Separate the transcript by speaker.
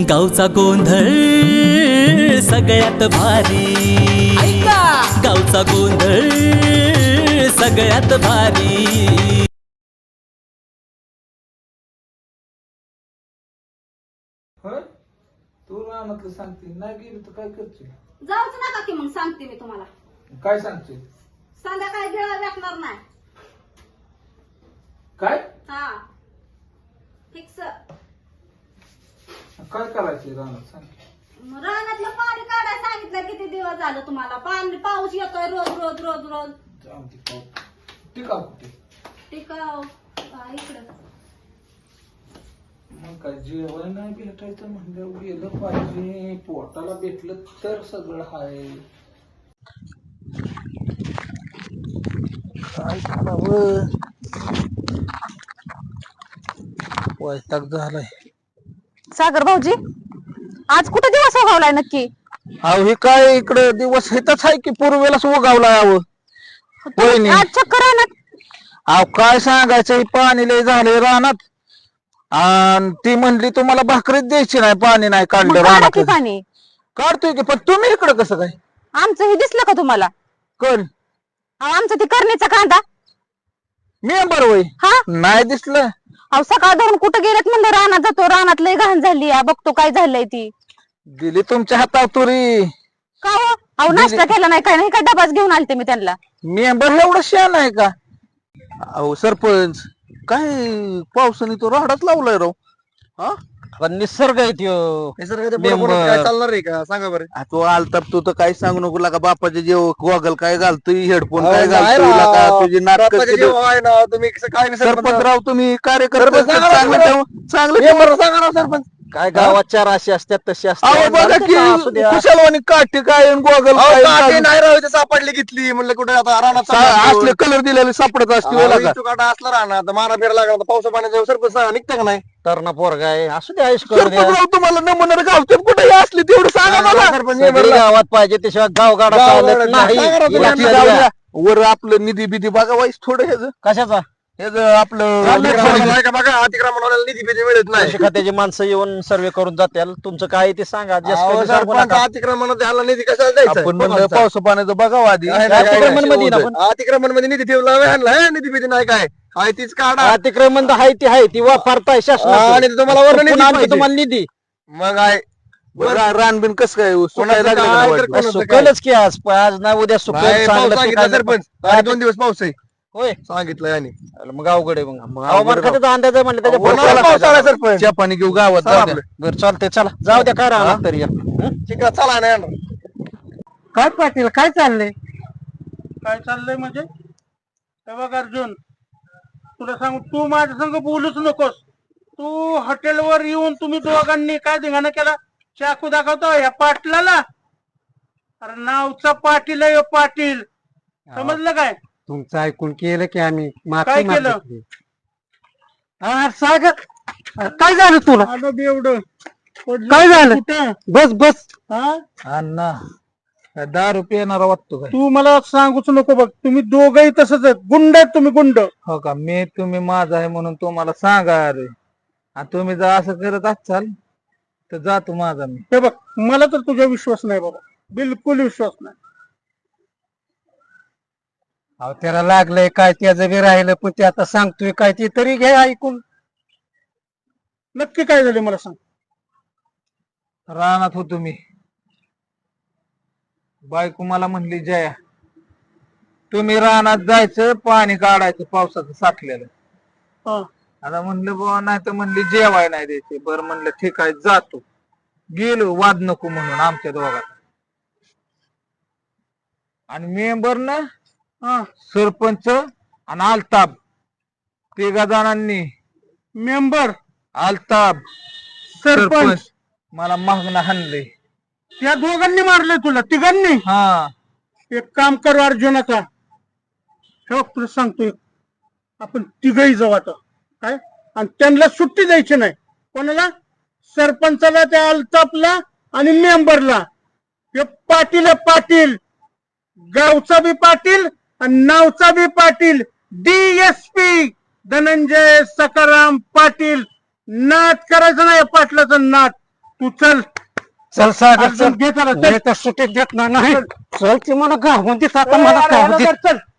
Speaker 1: गावचा गोंधळ सगळ्यात भारी, गावचा गोंधळ सगळ्यात भारी।
Speaker 2: तू रानातलं सांगते नाही गेली तर काय करशील?
Speaker 3: जाऊच नका की मग सांगते मी तुम्हाला।
Speaker 2: काय सांगशील?
Speaker 3: संध्याकाळी गिळा भेटणार नाही।
Speaker 2: काय
Speaker 3: हा फिक्स।
Speaker 2: काय करायचं रानात सांग?
Speaker 3: रानातलं पाणी काढायला सांगितलं किती दिवस झालं तुम्हाला। पाणी पाऊस येतोय रोज रोज रोज रोज।
Speaker 2: टिकाव कुठे?
Speaker 3: टिकाव इकडं।
Speaker 2: मग काय जेवण नाही भेटायचं म्हणलं गेलं पाहिजे, पोटाला भेटलं तर सगळं हाय। काय करावं, वैताग झालाय।
Speaker 4: सागर भाऊजी आज कुठे दिवस उगवलाय नक्की?
Speaker 2: अहो हे काय इकडे दिवस हेच आहे की पूर्वेलाच उगावलाय।
Speaker 4: तुम्ही आज चक्कर आहे ना?
Speaker 2: अहो काय सांगायचं, हे पाणी लय झालंय रानात आणि ती म्हणली तुम्हाला भाकरीच द्यायची नाही, पाणी नाही काढलं
Speaker 4: मग काढा की
Speaker 2: रानात।
Speaker 4: पाणी।
Speaker 2: काढतोय की, पण तुम्ही इकडे कसं काय?
Speaker 4: आमचं हे दिसलं का तुम्हाला?
Speaker 2: कर
Speaker 4: आमचं ती करणीचा कांदा
Speaker 2: मेंबर होय
Speaker 4: हा
Speaker 2: नाही दिसलं?
Speaker 4: अहो सकाळ धरून कुठे गेलेत म्हणलं रानात जातो, रानात लय घाण झाली बघतो काय झालंय ती।
Speaker 2: दिली तुमच्या हातावर तुरी।
Speaker 4: का हो? अहो नाश्ता केला नाही काय नाही, काय डबाच घेऊन आलते मी त्यांना।
Speaker 2: मेंबर एवढं शान आहे का? अहो सरपंच काय पावसाने तो राहडाच लावलाय राव। हा
Speaker 5: पण निसर्ग आहे त्यो।
Speaker 2: काय
Speaker 5: चालणार आहे का सांगा बरं?
Speaker 2: तो आलताप तू तर काही सांगू नको लागा, बापाचे जेव गॉगल काय घालतोय, हेडफोन काय घालतोय लागा, तुझी नाटक
Speaker 5: तुम्ही काय
Speaker 2: सरपंच राव तुम्ही कार्यकर्ते
Speaker 5: सरपंच सांगा ना
Speaker 2: चांगलं चांगलं
Speaker 5: सांगा ना सरपंच, काय गावात चार अशी असतात तशी
Speaker 2: अहो बघा की
Speaker 5: असू द्या।
Speaker 2: कुशलवाणी काठी काय गॉगल काय
Speaker 5: नाही राहू इथे सापडली घेतली म्हणलं कुठे आता रानात
Speaker 2: असले कलर दिलेले सापडत असते लागा।
Speaker 5: काटा असला राहणार मारा फिरा लागला तर पावसा पाण्याचा सरपंच निघतं का नाही? तरणा पोरगा आहे असू द्या, आयुष करू द्या।
Speaker 2: सरपंच राव तुम्हाला नमुना गावतात कुठे असली तेवढं सांगा मला।
Speaker 5: सगळी गावात पाहिजे त्याशिवाय गावगाडा चालत नाही।
Speaker 2: बाकी जाऊ द्या. वर आपलं निधी बिधी बघा वाईस थोडं ह्याच
Speaker 5: कशाचा
Speaker 2: आपलं
Speaker 5: बघा अतिक्रमणाला निधी बिधी मिळत नाही, खात्याची माणसं येऊन सर्वे करून जातील। तुमचं काय ते सांगा। अतिक्रमण द्यायला निधी कशाला द्यायचा?
Speaker 2: आपण म्हणलं पावसा पाण्याचं बघावं आधी।
Speaker 5: अतिक्रमण मध्ये निधी ठेवला निधी बिधी नाही काय आहे तीच काढा। अतिक्रमण आहे ती आहे ती वापरताय शासन आणि तुम्हाला वरून तुम्हाला निधी मग आहे
Speaker 2: रानबिन कसं काय सुकायला लागलं का वाटलं?
Speaker 5: सुकलच की आज आज नाही उद्या सुकल सरपंच 2 दिवस पाऊस आहे होय सांगितलंय आणि मग अवघड आहे। मग हवामान खात्याचा अंदाज आहे म्हणलं त्याच्या सरपंच
Speaker 2: चहा पाणी घेऊ गावात जाऊ द्या.
Speaker 5: बरं चालतंय चला जाऊ द्या करा तरी ठीक आहे चला नाही
Speaker 6: काय पाटील काय चाललंय? काय चाललंय म्हणजे हे बघ अर्जुन, तुला सांगू तू माझ्या संग बोलूच नकोस। तू हॉटेलवर येऊन तुम्ही दोघांनी काय धिंगाणा केला, चाकू दाखवतो या पाटलाला। अरे नावचा पाटील आहे पाटील, समजलं काय?
Speaker 7: तुमचं ऐकून केलं की आम्ही
Speaker 6: काय केलं?
Speaker 7: सागर काय झालं तुला?
Speaker 6: आलं एवढं
Speaker 7: काय झालं?
Speaker 6: कुठं?
Speaker 7: बस बस
Speaker 6: हा
Speaker 2: अण्णा काय 10 रुपये येणार वाटतो काय?
Speaker 6: तू मला सांगूच नको बघ, तुम्ही दोघही तसंच आहेत, गुंड आहेत तुम्ही, गुंड।
Speaker 2: हो का? मी तुम्ही माझा आहे म्हणून तुम्हाला सांगा अरे, आणि तुम्ही जर असं करत असाल तर जातो माझा मी।
Speaker 6: हे बघ मला तर तुझा विश्वास नाही बाबा, बिलकुल विश्वास नाही।
Speaker 7: अहो त्याला लागलंय काय, त्याचं बी राहिलं, पण ते आता सांगतोय काय ते तरी घ्या ऐकून।
Speaker 6: नक्की काय झाले मला सांग।
Speaker 2: रानात होतो मी, बायको मला म्हणली जया तुम्ही रानात जायचं, पाणी काढायचं पावसाचं साठलेलं।
Speaker 6: हा
Speaker 2: आता म्हणलं बाबा नाही तर म्हणली जेवाय नाही द्यायचे। बरं म्हणलं ठीक आहे जातो, गेलो वाद नको म्हणून आमच्या दोघात। आणि मेंबर ना सरपंच आणि आलताब तिघा जणांनी,
Speaker 6: मेंबर
Speaker 2: आलताब
Speaker 6: सरपंच
Speaker 2: मला मागणं हाणले।
Speaker 6: त्या दोघांनी मारले तुला, तिघांनी?
Speaker 2: हा
Speaker 6: एक काम कर अर्जुन, आता ठेव तुला सांगतोय, आपण तिघही जाऊ आता काय, आणि त्यांना सुट्टी द्यायची नाही। कोणाला? सरपंचाला, त्या अल्ताफला आणि मेंबरला। हे पाटील आहे पाटील, गावचा बी पाटील आणि नावचा बी पाटील, DSP धनंजय सखाराम पाटील। नाद करायचं नाही पाटलाचं नाद। तू चल
Speaker 7: चल सागर
Speaker 6: अर्जुन,
Speaker 7: चल
Speaker 6: घे त्याला, चल.
Speaker 7: मी तर सुट्टी देत नाही चल ती मला गावून देत आता मला गावून देत
Speaker 6: चल